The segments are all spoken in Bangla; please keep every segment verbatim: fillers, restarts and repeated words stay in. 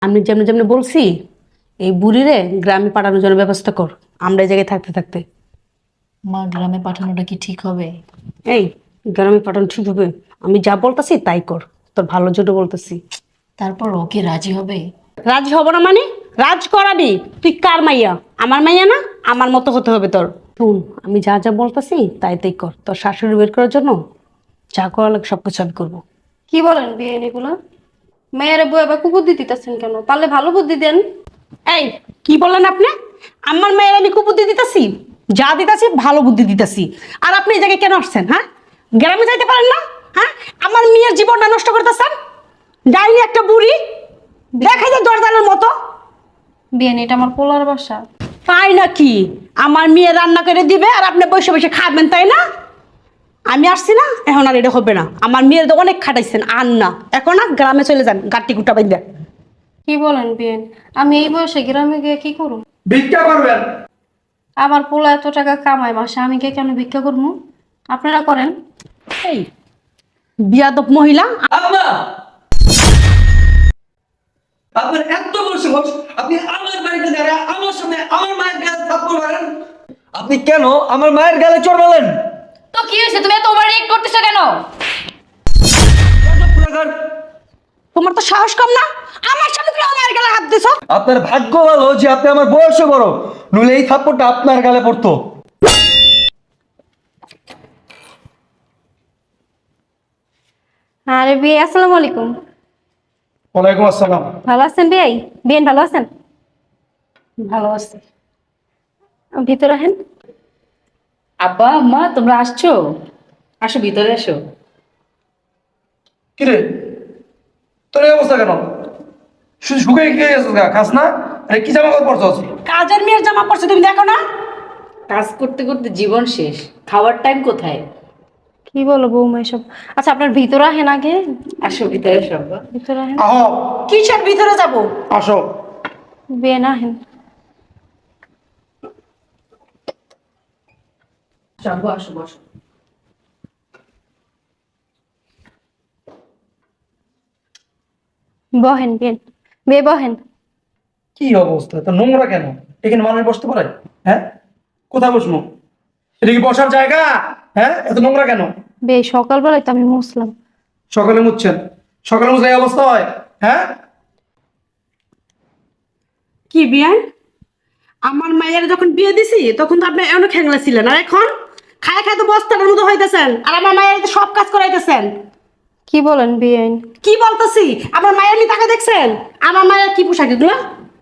আমি যেমন যেমন বলছি এই বুড়িরে গ্রামে পাঠানোর জন্য ব্যবস্থা কর, আমরা এই জায়গায় থাকতে থাকতে। মা গ্রামে পাঠানোটা কি ঠিক হবে? এই গ্রামে পাঠানো ঠিক হবে? আমি যা বলতেছি তাই কর, তোর ভালোর জন্য বলতেছি। তারপর ওকে রাজি হবে? রাজি হব না মানে? রাজ করাবি? তুই কার মাইয়া? আমার মাইয়া না? আমার মতো হতে হবে তোর। শুন, আমি যা যা বলতেছি তাই তাই কর, তোর শাশুড়ি বের করার জন্য যা করা লাগে সবকিছু আমি করবো। কি বলেন বিয়ে এগুলা? মেয়ের বউ এবার কুবুদ্ধি দিতেছেন কেন? পারলে ভালো বুদ্ধি দেন। এই কি বললেন আপনি? আমার মেয়ের আমি কুবুদ্ধি দিতেছি? যা দিতেছি ভালো বুদ্ধি দিতেছি। আর আপনি এই জায়গায় কেন আসছেন? হ্যাঁ, গ্রামে যাইতে পারেন না? হ্যাঁ, আমার মেয়ের জীবনটা নষ্ট করতেছেন। ডাইনি একটা বুড়ি, দেখা যায় দরজালের মতো। বিয়ে এটা আমার পোলার বাসা। তাই নাকি? আমার মেয়ে রান্না করে দিবে আর আপনি বসে বসে খাবেন, তাই না? আমি আসছি না, এখন আর এটা হবে না। আমার মেয়ের তো অনেক খাটাইছেন, আর না, এখন না গ্রামে চলে যান, গাটি গুটা বাইন্দা। কি বলেন বিয়ে? আমি এই বয়সে গ্রামে গিয়ে কি করব? ভিক্ষা করবেন? আমার পোলা এত টাকা কামায় মাসে, আমি গিয়ে কেন ভিক্ষা করবো? আপনারা করেন। এই বিয়াদব মহিলা! আব্বা, আপনার এত বড় সাহস, আপনি আমার বাড়িতে দাঁড়িয়ে আমার সামনে আমার মায়ের গায়ে থাপ্পড় মারেন? আপনি কেন আমার মায়ের গালে চড় মারলেন? তো কি হয়েছে, তুমি এত ওভার রিঅ্যাক্ট করতেছো কেন? তোমার তো সাহস কম না? আমার সামনে তুমি আমার গালে হাত দিছো। আপনার ভাগ্য ভালো যে আপনি আমার বয়সে বড়, নইলে এই থাপ্পড়টা আপনার গালে পড়তো। আরে বিয়ে, আসসালামু আলাইকুম। ওয়ালাইকুম আসসালাম। ভালো আছেন বিয়ে? বিয়ে ভালো আছেন? ভালো আছে। ভিতরে আহেন। আব্বা আম্মা তোমরা আসছো? আসো ভিতরে এসো। কিরে, তোর এই অবস্থা কেন? শুধু শুকিয়ে গিয়ে গেছিস গা, খাস না? আরে কি জামা কাপড় পরছস? কাজের মেয়ের জামা পড়ছে, তুমি দেখো না? কাজ করতে করতে জীবন শেষ, খাওয়ার টাইম কোথায়? কি বলো বৌমা এসব? আচ্ছা আপনার ভিতরে আহেন আগে। আসো ভিতরে এসো আব্বা। ভিতরে আহেন। আহ, কিসের ভিতরে যাব? আসো। বিয়ে না আহেন। আব্বু আসো, বসো। বহেন বিয়ে, বিয়ে বহেন। কি অবস্থা, তো নোংরা কেন? এখানে মানুষ বসতে পারে? হ্যাঁ, কোথায় বসবো? এটা কি বসার জায়গা? হ্যাঁ, এত নোংরা কেন? বিয়ে সকালবেলায় তো আমি মুসলাম। সকালে মুছছেন? সকালে মুছলে এই অবস্থা হয়? হ্যাঁ, কি বিয়ে? আমার মায়ের যখন বিয়ে দিছি তখন তো আপনি অনেক হ্যাংলা ছিলেন, আর এখন খায় খায় তো বস্তার মতো হইতেছেন, আর আমার মায়ের তো সব কাজ করাইতেছেন। কি বলেন বিয়ে? কি বলতেছি? আমার মায়ের নি টাকা দেখছেন? আমার মায়ের কি পোশাক এগুলো?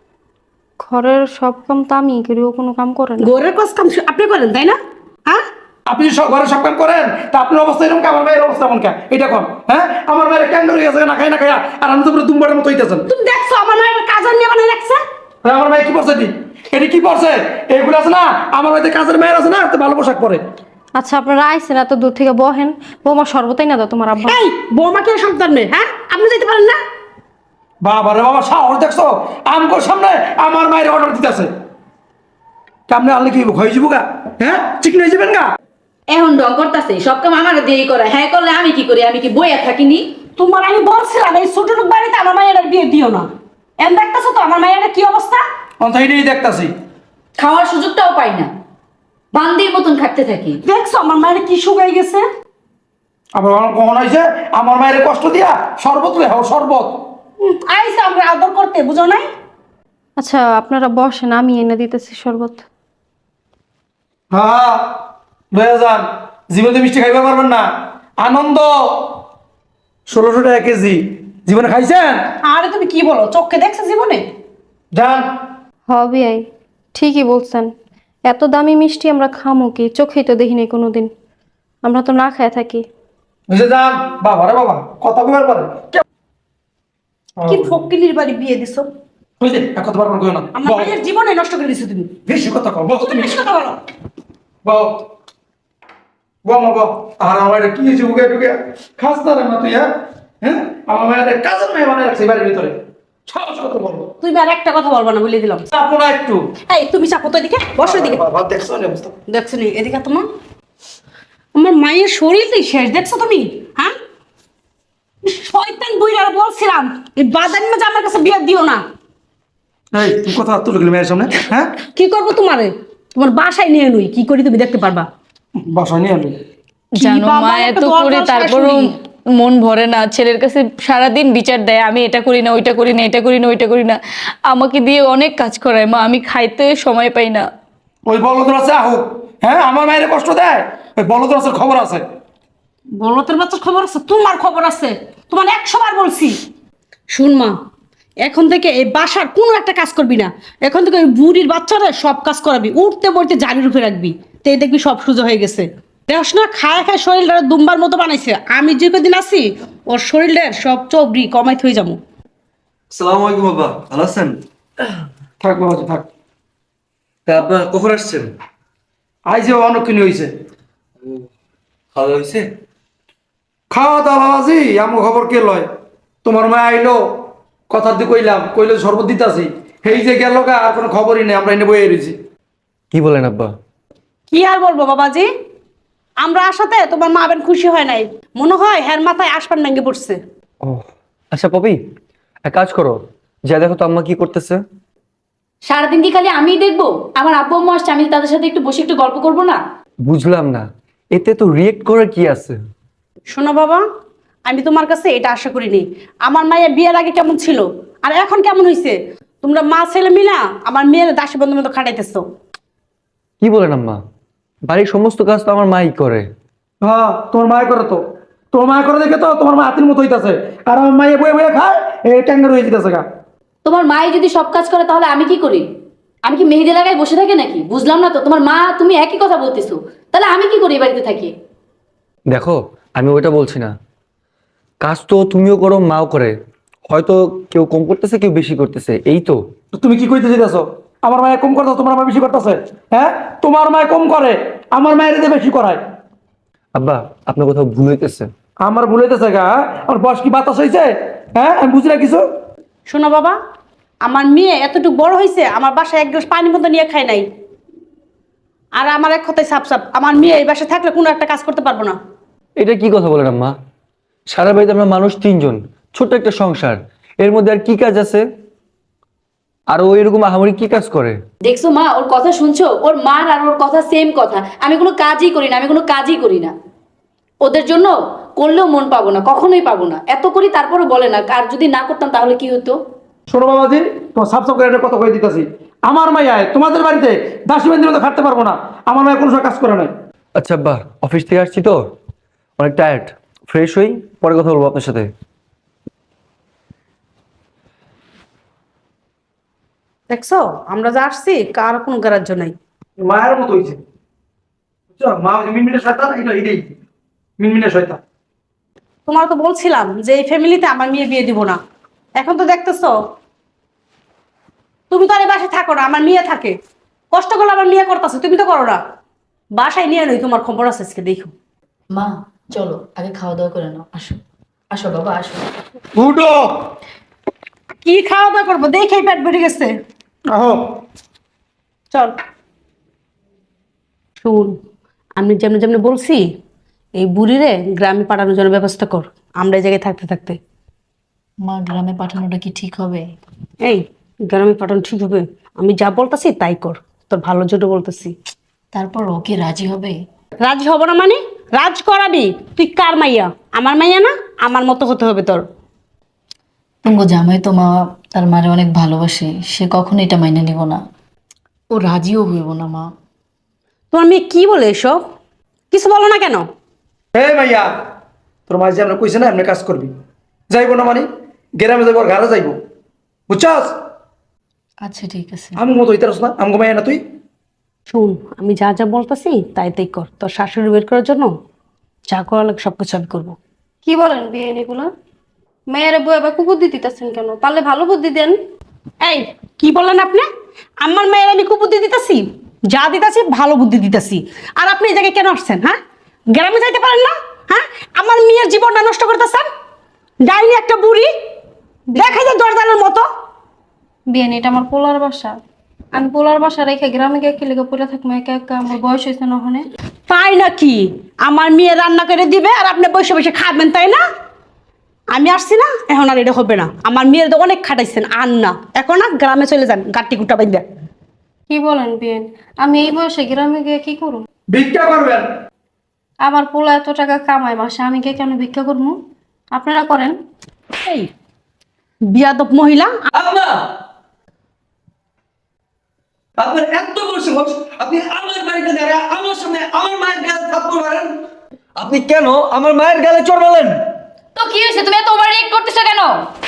ঘরের সব কাম তো আমি করি, ও কোনো কাম করে না। গোরের কাজ কাম শু- আপনি করেন, তাই না? হ্যাঁ, আপনি সব ঘরে সব কাম করেন, তা আপনার অবস্থা এরকম, আমার মায়ের অবস্থা এমন কে? এটা কোন? হ্যাঁ, আমার মায়ের ক্যান ধরে গেছে না খাই না খাইয়া, আর আমি তো পুরো দুম্বারের মতো হইতেছেন। তুমি দেখছো আমার মায়ের কাজের মেয়ে বানিয়ে রাখছে? হ্যাঁ, আমার মায়ের কি পড়ছে? এটি এটি কি পড়ছে? এগুলো আছে না, আমার বাড়িতে কাজের মেয়ের আছে না, তো ভালো পোশাক পরে। আচ্ছা আপনারা আইসেন এত দূর থেকে, বহেন। বৌমা সর্বতাই না দাও তোমার আব্বা। এই বৌমাকে সন্তান নেই, হ্যাঁ? আপনি যেতে পারেন না? বাবা রে বাবা, সাহস দেখছো? আমগোর সামনে আমার মায়ের অর্ডার দিতেছে। কেমনে আনলে কি হয়ে যাবো গা? হ্যাঁ, চিকন হয়ে যাবেন গা? এখন ডং করতেছে, সব কাম আমার দিয়েই করে, হ্যাঁ করলে আমি কি করি? আমি কি বইয়া থাকিনি? তোমার আমি বলছিলাম এই ছোট লোক বাড়িতে আমার মায়ের আর বিয়ে দিও না। এম দেখতেছো তো আমার মায়ের কি অবস্থা? অন্থাইটাই দেখতাছি। খাওয়ার সুযোগটাও পাই না, বান্দির মতন খাটতে থাকি। দেখছো আমার মায়ের কি শুকাই গেছে? আবার আমার কখন হয়েছে আমার মায়ের কষ্ট দিয়া শরবত রে হাও, শরবত। হুম, আইসা আমরা আদর করতে, বুঝো নাই? আচ্ছা আপনারা বসেন, আমি এনে দিতেছি শরবত। হ্যাঁ, লয়ে যান। জীবনে মিষ্টি খাইতে পারবেন না। আনন্দ ষোলোশো টাকা কেজি, জীবনে খাইছেন? আরে তুমি কি বলো, চোখে দেখছো জীবনে? যান। হবে আই, ঠিকই বলছেন। এত দামি মিষ্টি আমরা খামো কি? চোখেই তো দেখিনি কোনোদিন, আমরা তো না খায় থাকি। বুঝে যান। বাবা রে বাবা, কথা কইবার পারে কি ফকিলির বাড়ি বিয়ে দিছো? বুঝলে, এক কথা বারবার কইও না। আমার বল, মায়ের জীবনে নষ্ট করে দিছো তুমি। বেশি কথা কও, বল তুমি তুমি। বেশি কথা বলো। বল, বল মা বল। আর আমার এটা কি হয়েছে? বুকে টুকে খাস না রে মা তুই? হ্যাঁ হ্যাঁ, আমার মায়ের কাজের মেয়ে বানায় রাখছে এই বাড়ির ভিতরে। সাহস কত বলবো? তুমি আর একটা কথা বলবা না বলে দিলাম। চাপো না একটু। এই তুমি চাপো তো এদিকে, বসো এদিকে। বাবা দেখছো না অবস্থা? দেখছো নি এদিকে তোমার আমার মায়ের শরীরটাই শেষ, দেখছো তুমি? হ্যাঁ, শয়তান বুইড়ার বলছিলাম এই বাদানি মাঝে আমার কাছে বিয়ে দিও না। এই তুই কথা তুলে গেলি মেয়ের সামনে, হ্যাঁ? কি করবো তোমারে? তোমার বাসায় নিয়ে নই, কি করি তুমি দেখতে পারবা। বাসায় নিয়ে আনবি। কি জানো বাবা, মা একটা এত দরজাল করে তারপরও শাশুড়ি। মন ভরে না, ছেলের কাছে সারাদিন বিচার দেয় আমি এটা করি না ওইটা করি না এটা করি না ওইটা করি না, আমাকে দিয়ে অনেক কাজ করায় মা, আমি খাইতে সময় পাই না। ওই বলদ আছে আহুক, হ্যাঁ আমার মায়ের কষ্ট দেয়, ওই বলদ আছে খবর আছে। বলতের বাচ্চার খবর আছে, তোমার খবর আছে, তোমার একশো বার বলছি। শুন মা, এখন থেকে এই বাসার কোনো একটা কাজ করবি না। এখন থেকে ওই বুড়ির বাচ্চারা সব কাজ করাবি, উঠতে বইতে জারির উপরে রাখবি, তো এই দেখবি সব সোজা হয়ে গেছে। দেখস না, খায় খায় শরীরটা দুম্বার মতো বানাইছে। আমি যে কদিন আছি ওর শরীরের সব চবরি কমাই থয়ে যাবো। আসসালামু আলাইকুম বাবা, ভালো আছেন? থাক বাবাজি থাক। তা আপনার কখন আসছেন? আই যে অনেকক্ষণ হয়েছে। খাওয়া দাওয়া হয়েছে? খাওয়া দাওয়া বাবাজি, আমার খবর কে লয়? তোমার মা আইলো, কথার দিয়ে কইলাম, কইলে শরবত দিতাছি, এই যে গেল গা, আর কোনো খবরই নেই, আমরা এনে বয়ে রয়েছি। কি বলেন আব্বা? কি আর বলবো বাবাজি, আমরা আসাতে তোমার মা বেন খুশি হয় নাই, মনে হয় হ্যার মাথায় আসপান ভেঙে পড়ছে। ও আচ্ছা পপি, এক কাজ করো, যা দেখো তো আম্মা কি করতেছে। সারাদিন কি খালি আমিই দেখবো? আমার আব্বু আম্মু আসছে, আমি তাদের সাথে একটু বসে একটু গল্প করবো না? বুঝলাম না, এতে তো রিয়েক্ট করার কি আছে? শোনো বাবা, আমি তোমার কাছে এটা আশা করিনি। আমার মায়ের বিয়ের আগে কেমন ছিল আর এখন কেমন হয়েছে, তোমরা মা ছেলে মিলা আমার মেয়ের দাসী বন্ধু মতো খাটাইতেছো। কি বলেন আম্মা? বাড়ির সমস্ত কাজ তো আমার মাই করে। হ্যাঁ তোমার মায় করে তো, তোমার মায় করে দেখে তো তোমার মা হাতির মতো হইতাছে, আর আমার মায়ে বয়ে বয়ে খায়, এই ট্যাঙ্গার হয়ে যেতেছে গা। তোমার মাই যদি সব কাজ করে তাহলে আমি কি করি? আমি কি মেহেদি লাগাই বসে থাকি নাকি? বুঝলাম না তো, তোমার মা তুমি একই কথা বলতেছো, তাহলে আমি কি করি এই বাড়িতে থাকি? দেখো আমি ওইটা বলছি না, কাজ তো তুমিও করো মাও করে, হয়তো কেউ কম করতেছে কেউ বেশি করতেছে, এই তো। তো তুমি কি কইতে চাইতেছো? আমার মায়ে কম করতেছে, তোমার মা বেশি করতেছে? হ্যাঁ, তোমার মায়ে কম করে, আমার মায়ের এতে বেশি করায়। আব্বা আপনার কোথাও ভুল হইতেছে। আমার ভুল হইতেছে গা? আমার বয়স কি বাতাস হয়েছে? হ্যাঁ, আমি বুঝি না কিছু। শোনো বাবা, আমার মেয়ে এতটুকু বড় হয়েছে, আমার বাসায় এক গ্লাস পানি মতো নিয়ে খায় নাই। আর আমার এক কথায় সাপ সাপ, আমার মেয়ে এই বাসায় থাকলে কোনো একটা কাজ করতে পারবো না। এটা কি কথা বলেন আম্মা? সারা বাড়িতে আমরা মানুষ তিনজন, ছোট্ট একটা সংসার, এর মধ্যে আর কি কাজ আছে? আর ও এরকম আহামরি কি কাজ করে? দেখছো মা, ওর কথা শুনছো? ওর মার আর ওর কথা সেম কথা। আমি কোনো কাজই করি না, আমি কোনো কাজই করি না। ওদের জন্য করলেও মন পাবো না, কখনোই পাবো না। এত করি তারপরও বলে না। আর যদি না করতাম তাহলে কি হতো? শোনো বাবাজি, তোমার সাফ সাফ করে একটা কথা কয়ে দিতেছি, আমার মাইয়ায় তোমাদের বাড়িতে দাসী বান্দির মতো খাটতে পারবো না। আমার মায়ের কোনো সময় কাজ করে নাই। আচ্ছা আব্বা, অফিস থেকে আসছি তো অনেক টায়ার্ড, ফ্রেশ হই, পরে কথা বলবো আপনার সাথে। দেখছো, আমরা যা আসছি কার কোনো গ্রাহ্য নাই। মায়ের মতো হয়েছে, বুঝছো? মা হচ্ছে মিনমিনে শয়তান, এটা এটাই মিনমিনে শয়তান। তোমার তো বলছিলাম যে এই ফ্যামিলিতে আমার মেয়ে বিয়ে দিব না, এখন তো দেখতেছো তুমি তো আর এই বাসায় থাকো না, আমার মেয়ে থাকে। কষ্ট করলে আমার মেয়ে করতেছে, তুমি তো করো না। বাসায় নিয়ে নই, তোমার খবর আছে আজকে দেখো। মা চলো আগে খাওয়া দাওয়া করে নাও, আসো আসো বাবা আসো। উঠো। কি খাওয়া দাওয়া করবো, দেখেই পেট বেড়ে গেছে। আহো। চল শুন, আমি যেমন যেমন বলছি এই বুড়িরে গ্রামে পাঠানোর জন্য ব্যবস্থা কর, আমরা এই জায়গায় থাকতে থাকতে। মা গ্রামে পাঠানোটা কি ঠিক হবে? এই গ্রামে পাঠানো ঠিক হবে? আমি যা বলতেছি তাই কর, তোর ভালোর জন্য বলতেছি। তারপর ওকে রাজি হবে? রাজ হব না মানে? রাজ করাবি। তুই কার মাইয়া? আমার মাইয়া না, আমার মতো হতে হবে তোর। তুঙ্গ জামাই তো মা তার মারে অনেক ভালোবাসে, সে কখনো এটা মাইনে নিব না। ও রাজিও হইব না মা। তোমার মেয়ে কি বলে এসব? কিছু বলো না কেন? হে মাইয়া, তোর মা যে আমরা কইছে না এমনি কাজ করবি, যাইবো না মানে গ্রামে যাইবো, আর ঘরে যাইবো, বুঝছাস? আচ্ছা ঠিক আছে। আমি মতো হইতে না, আমগো মাইয়া না তুই। শুন, আমি যা যা বলতেছি তাই তাই কর, তোর শাশুড়ি বের করার জন্য যা করা লাগে সব কিছু আমি করবো। কি বলেন বিয়ে এগুলা? মেয়ের বউ এবার কুবুদ্ধি দিতেছেন কেন? পারলে ভালো বুদ্ধি দেন। এই কি বললেন আপনি? আমার মেয়ের আমি কুবুদ্ধি দিতেছি? যা দিতেছি ভালো বুদ্ধি দিতেছি। আর আপনি এই জায়গায় কেন আসছেন? হ্যাঁ, গ্রামে যাইতে পারেন না? হ্যাঁ, আমার মেয়ের জীবনটা নষ্ট করতেছেন। ডাইনি একটা বুড়ি, দেখা যায় দরজালের মতো। বিয়ে এটা আমার পোলার বাসা, আমি পোলার বাসা রেখে গ্রামে গিয়ে কি লেগে পড়ে থাকবো একা একা? আমার বয়স হয়েছে না ওখানে। তাই নাকি? আমার মেয়ে রান্না করে দিবে আর আপনি বসে বসে খাবেন, তাই না? আমি আসছি না, এখন আর এটা হবে না। আমার মেয়ের তো অনেক খাটাইছেন, আর না, এখন না গ্রামে চলে যান গাটি গুটা বাইন্দা। কি বলেন বিয়েন? আমি এই বয়সে গ্রামে গিয়ে কি করব? ভিক্ষা করবেন। আমার পোলা এত টাকা কামায় মাসে, আমি কে কেন ভিক্ষা করবো? আপনারা করেন। এই বিয়াদব মহিলা। আম্মা, আপনার এত বড় সাহস, আপনি আমার বাড়িতে দাঁড়ায় আমার সামনে আমার মায়ের গালে থাপ্পড় মারেন। আপনি কেন আমার মায়ের গালে চড় মারলেন? তো কি হয়েছে, তুমি এত ওভার রিয়েক্ট করতেছো কেন?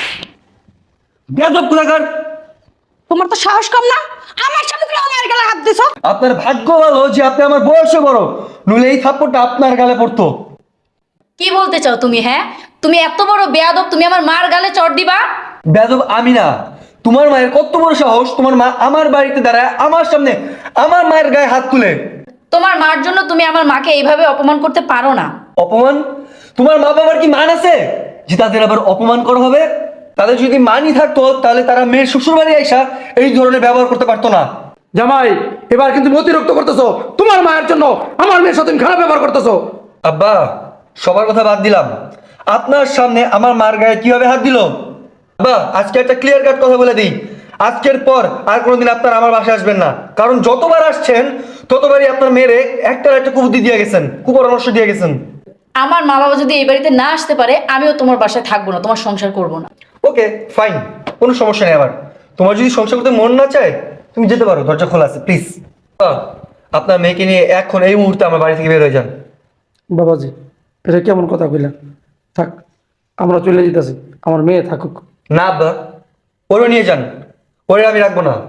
বেয়াদব কোথাকার! তোমার তো সাহস কম না, আমার সামনে তুমি আমার গালে হাত দিছো। আপনার ভাগ্য ভালো যে আপনি আমার বয়সে বড়, নইলে এই থাপ্পড়টা আপনার গালে পড়তো। কি বলতে চাও তুমি? হ্যাঁ, তুমি এত বড় বেয়াদব, তুমি আমার মার গালে চড় দিবা? বেয়াদব আমি না, তোমার মায়ের কত বড় সাহস, তোমার মা আমার বাড়িতে দাঁড়ায় আমার সামনে আমার মায়ের গায়ে হাত তুলে। তোমার মার জন্য তুমি আমার মাকে এইভাবে অপমান করতে পারো না। অপমান? তোমার মা বাবার কি মান আছে যে তাদের আবার অপমান করা হবে? তাদের যদি মানই থাকতো তাহলে তারা মেয়ের শ্বশুর বাড়ি আইসা এই ধরনের ব্যবহার করতে পারতো না। জামাই, এবার কিন্তু তুমি অতিরিক্ত করতেছো। তোমার মায়ের জন্য আমার মেয়ের সাথে তুমি খারাপ ব্যবহার করতেছো। আব্বা, সবার কথা বাদ দিলাম, আপনার সামনে আমার মার গায়ে কিভাবে হাত দিল? আব্বা, আজকে একটা ক্লিয়ার কাট কথা বলে দিই, আজকের পর আর কোনোদিন আপনার আমার বাসায় আসবেন না। কারণ যতবার আসছেন ততবারই আপনার মেয়েরে একটার একটা কুবুদ্ধি দিয়ে গেছেন, কুপরামর্শ দিয়ে গেছেন। আমার মা বাবা যদি এই বাড়িতে না আসতে পারে, আমিও তোমার বাসায় থাকবো না, তোমার সংসার করবো না। ওকে ফাইন, কোনো সমস্যা নেই। আবার তোমার যদি সংসার করতে মন না চায় তুমি যেতে পারো, দরজা খোলা আছে, প্লিজ। আপনার মেয়েকে নিয়ে এখন এই মুহূর্তে আমার বাড়ি থেকে বের হয়ে যান। বাবাজি, এটা কেমন কথা কইলেন? থাক, আমরা চলে যেতেছি, আমার মেয়ে থাকুক। না আব্বা, ওরে নিয়ে যান, ওরে আমি রাখবো না।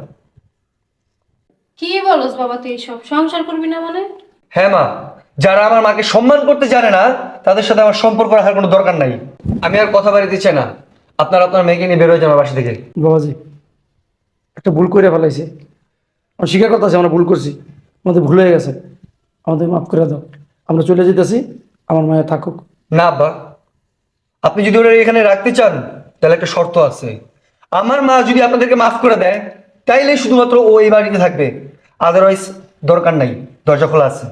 কি বলস বাবা তুই সব? সংসার করবি না মানে? হ্যাঁ মা, যারা আমার মাকে সম্মান করতে জানে না তাদের সাথে আমার সম্পর্ক রাখার কোনো দরকার নাই। আমি আর কথা বাড়িতে চাই না, আপনার আপনার মেয়েকে নিয়ে বের হয়ে যান আমার বাসা থেকে। বাবাজি, একটা ভুল করে ফেলাইছে, আমি স্বীকার করতেছি আমরা ভুল করছি, আমাদের ভুল হয়ে গেছে, আমাদের মাফ করে দাও। আমরা চলে যেতেছি, আমার মায়ের থাকুক। না আব্বা, আপনি যদি ওরা এখানে রাখতে চান তাহলে একটা শর্ত আছে। আমার মা যদি আপনাদেরকে মাফ করে দেয় তাইলে শুধুমাত্র ও এই বাড়িতে থাকবে, আদারওয়াইজ দরকার নাই, দরজা খোলা আছে।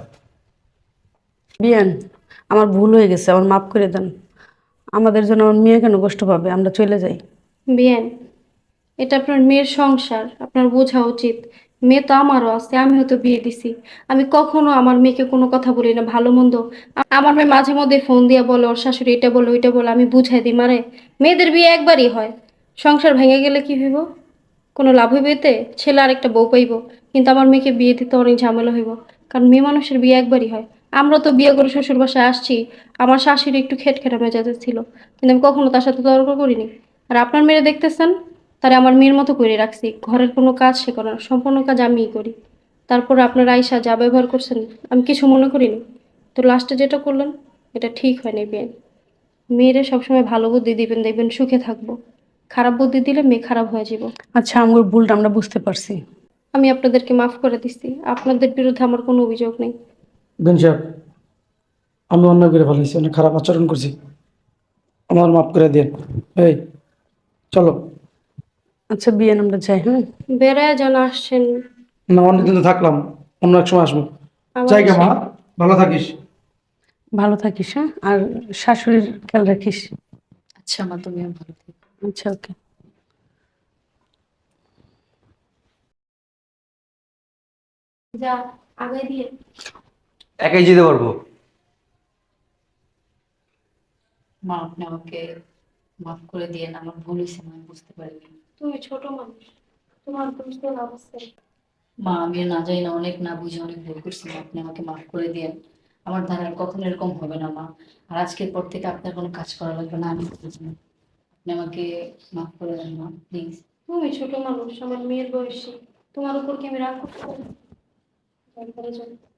বিয়ান, আমার ভুল হয়ে গেছে, আমার মাফ করে দেন। আমাদের জন্য আমার মেয়ে কেন কষ্ট পাবে, আমরা চলে যাই। বিয়েন, এটা আপনার মেয়ের সংসার, আপনার বোঝা উচিত। মেয়ে তো আমারও আছে, আমি হয়তো বিয়ে দিছি। আমি কখনো আমার মেয়েকে কোনো কথা বলি না ভালো মন্দ। আ- আমার মেয়ে মাঝে মধ্যে ফোন দিয়ে বলে ওর শাশুড়ি এটা বলে ওইটা বলে, আমি বুঝাই দিই মারে মেয়েদের বিয়ে একবারই হয়। সংসার ভেঙে গেলে কি হইব? কোনো লাভ হইব এতে? ছেলে আরেকটা বউ পাইব। কিন্তু আমার মেয়েকে বিয়ে দিতে অনেক ঝামেলা হইব, কারণ মেয়ে মানুষের বিয়ে একবারই হয়। আমরা তো বিয়ে করে শ্বশুর বাসায় আসছি, আমার শাশুড়ি একটু খেটখেটা মেজাজের ছিল, কিন্তু আমি কখনো তার সাথে তর্ক করিনি। আর আপনার মেয়ে দেখতেছেন, তারে আমার মেয়ের মতো করে রাখছি, ঘরের কোনো কাজ সে করে না, সম্পূর্ণ কাজ আমিই করি। তারপর আপনার আয়সা যা ব্যবহার করছেন আমি কিছু মনে করিনি। তো লাস্টে যেটা করলেন এটা ঠিক হয়নি বিয়ে। মেয়েরে সবসময় ভালো বুদ্ধি দিবেন, দেখবেন সুখে থাকবো। খারাপ বুদ্ধি দিলে মেয়ে খারাপ হয়ে যাব। আচ্ছা, আমার ভুলটা আমরা বুঝতে পারছি। আমি আপনাদেরকে মাফ করে দিচ্ছি, আপনাদের বিরুদ্ধে আমার কোনো অভিযোগ নেই। বেন সাহেব, আমি অন্যায় করে ফেলাইছি, অনেক খারাপ আচরণ করছি, আমার মাফ করে দেন। এই চলো। আচ্ছা বিয়ান, আমরা যাই। হ্যাঁ, বেড়ায় যেন আসছেন। না, অনেকদিন তো থাকলাম, অন্য এক সময় আসবো। আবার জায়গা মা, ভালো থাকিস। ভালো থাকিস। হ্যাঁ, আর শাশুড়ির খেয়াল রাখিস। আচ্ছা মা, তুমিও ভালো থেকো। আচ্ছা, ওকে। যা আগে দিয়ে। একাই যেতে পারবো। মা, আপনি আমাকে মাফ করে দিয়ে, আমার ভুল হয়েছে, আমি বুঝতে পারিনি। তুমি ছোট মানুষ, তোমার বুঝতে অবস্থা। মা, আমি না জানি না, অনেক না বুঝে অনেক ভুল করছি মা, আপনি আমাকে মাফ করে দিয়েন। আমার দ্বারা আর কখনো এরকম হবে না মা। আর আজকের পর থেকে আপনার কোনো কাজ করা লাগবে না, আমি করবো। আপনি আমাকে মাফ করে দেন মা, প্লিজ। তুমি ছোট মানুষ, আমার মেয়ের বয়সী, তোমার উপর কি আমি রাগ করতে পারি?